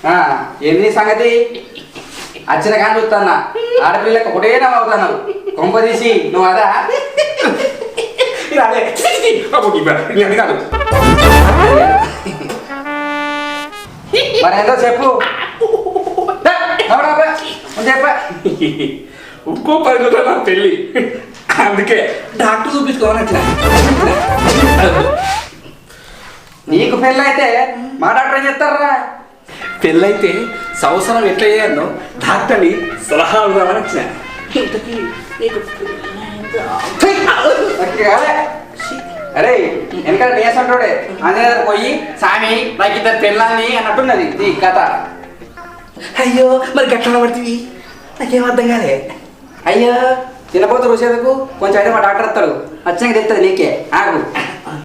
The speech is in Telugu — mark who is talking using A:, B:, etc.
A: ఏంది సంగతి వచ్చిన కానీ చూస్తాన్నా ఆడపిల్లకి ఒకటే నవ్వుతున్నావు కొంప తీసి నువ్వు అదా
B: కాదు
A: మరి ఏందో చెప్పు చెప్ప
B: ఇంకో 10 రోజులు నా పెళ్ళి అందుకే డాక్టర్ చూపించుకోవాలి అట్లా
A: నీకు పెళ్ళి అయితే మా డాక్టర్ ఏం చెప్తారా
B: పెళ్ళైతే సంవత్సరం ఎట్లా చేయాలో డాక్టర్ని సలహా ఇవ్వాలని వచ్చిన
A: అరే వెనకాల నేసంటోడే అనే పోయి సామి నాకు ఇద్దరు పెళ్ళాలని అన్నట్టున్నది ఈ కథ.
B: అయ్యో మరి గట్ల పడుతుంది నాకేం అర్థం కాలే.
A: అయ్యో తినపోతు రుసేదకు కొంచెం అయితే మా డాక్టర్ వస్తాడు వచ్చాక తెలుస్తుంది నీకే ఆగు.